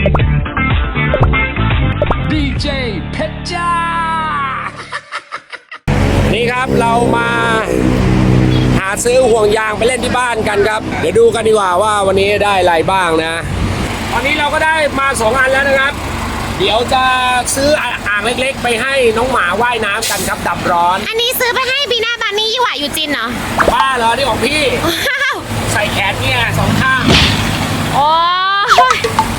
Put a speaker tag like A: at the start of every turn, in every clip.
A: ดีเจเพชรจ้า นี่ครับเรามาหาซื้อห่วงยางไปเล่นที่บ้านกันครับเดี๋ยวดูกันดีกว่าว่าวันนี้ได้อะไรบ้างนะตอนนี้เราก็ได้มา2 อันแล้วนะครับเดี๋ยวจะซื้ออ่างเล็กๆไปให้น้องหมาว่ายน้ำกันครับดับร้อน
B: อันนี้ซื้อไปให้บีน่าบานี่ยี่หว่าอยู่จินเหรอ
A: บ้าเหรอนี่ของพี่
B: ว้าว
A: ใส่แขนเนี่ย2 ข้าง
B: โอ้ย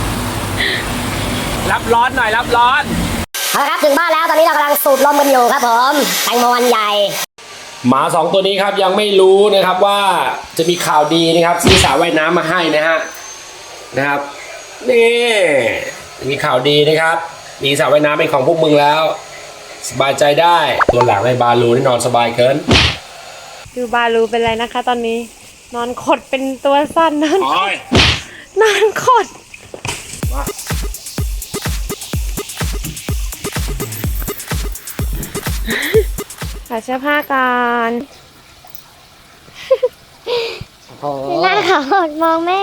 A: รับร้อนหน่อยรับร้อน
C: เอาละครับถึงบ้านแล้วตอนนี้เรากำลังสูบลมกันอยู่ครับผมแตงโมอันใหญ่
A: หมา2 ตัวนี้ครับยังไม่รู้นะครับว่าจะมีข่าวดีนะครับซื้อสระว่ายน้ำมาให้นะครับนี่มีข่าวดีนะครับมีสระว่ายน้ำเป็นของพวกมึงแล้วสบายใจได้ตัวหลังในบาลูนี่นอนสบายเกิน
B: ดูบาลูเป็นไรนะคะตอนนี้ นอนขดเป็นตัวสั้นนอนขดขอเสื้อผ้าก่อนหน้าเขาหดมองแม่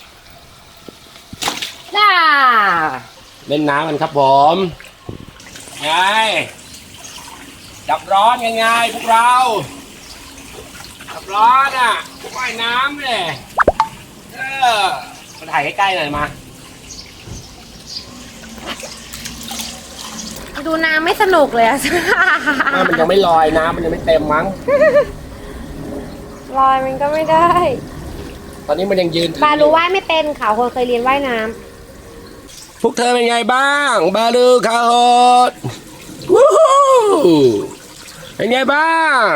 A: เล่นน้ำกันครับผมไงดับร้อนยังไงพวกเราดับร้อนอ่ะว่ายน้ำเลยมาถ่ายใกล้ๆหน่อยมา
B: ดูน้ำไม่สนุกเลยอะ
A: น้ำมันยังไม่ลอยน้ำมันยังไม่เต็มมั้ง
B: ลอยมันก็ไม่ได้
A: ตอนนี้มันยังยืน
B: บาลูว่ายไม่เป็นเขาคนเคยเรียนว่ายน้ำ
A: พวกเธอเป็นไงบ้างบาลูคาโฮดวู้ฮู้เป็นไงบ้าง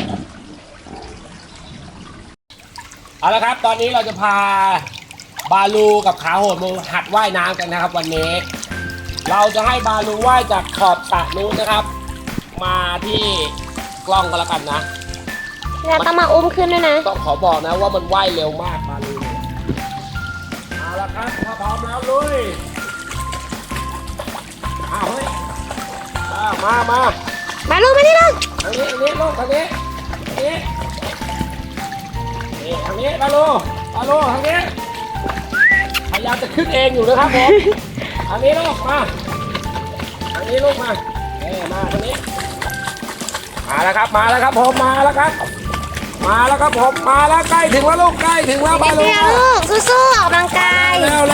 A: เอาละครับตอนนี้เราจะพาบาลูกับขาโหดมาหัดว่ายน้ำกันนะครับวันนี้ เราจะให้บาลูว่ายจากขอบสระนู้นนะครับ มาที่กล้องก็แล้วกันนะ
B: แล้วต้องมาอุ้มขึ้นด้วยนะ
A: ต้องขอบอกนะว่ามันว่ายเร็วมากบาลูเนี่ยเอาละครับถ้าพร้อมแล้วลุยเอาเฮ้ยมา
B: บาลูมานี่ลูก
A: ทางนี้ลูกทางนี้นี่ทางนี้บาลูทางนี้พยายามจะขึ้นเองอยู่นะครับผมทางนี้ลูกมาทางนี้ลูกมามาทางนี้มาแล้วครับผมมาแล้วครับผมมาแล้วใกล้ถึงแล้วลูกใกล้ถึงแล้วบาลู
B: เดี๋ยวลูกสู้ๆออกกำลังกาย
A: แล้ว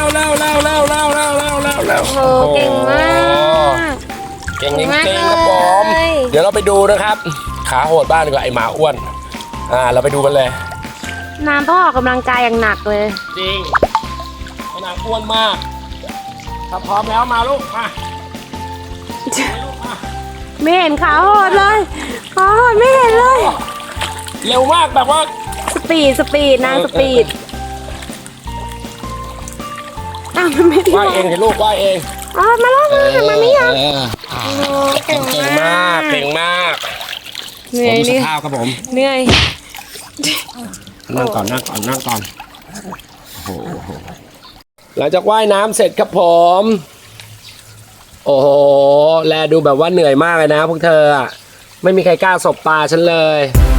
B: โอ้เก่งมาก
A: เก่งจริงๆครับผม
B: เลย
A: เดี๋ยวเราไปดูนะครับขาโหดบ้านดีกว่าไอหมาอ้วนเราไปดูกันเลย
B: น้ำต้องออกกำลังกายอย่างหนักเลย
A: จริงไอหมาอ้วนมากถ้าพร้อมแล้วมาลูกมาลูกมา
B: ไม่เห็นขาโหดเลยขาโหดไม่เห็นเลย
A: เร็วมากแบบว่า
B: สปีดนางสปีดอ้าวมันไม่ได้
A: ว่ายเองเห็นลูกว่ายเอง
B: อ๋อมาแล้วมาไม่ยังเก่ง
A: เก่งมาก
B: เหนื่อย
A: ดูส
B: นี่
A: ภาพครับผม
B: เหนื่อย
A: นั่งก่อนโอ้โหหลังจากว่ายน้ำเสร็จครับผมโอ้โหแลดูแบบว่าเหนื่อยมากเลยนะพวกเธออะไม่มีใครกล้าสบตาฉันเลย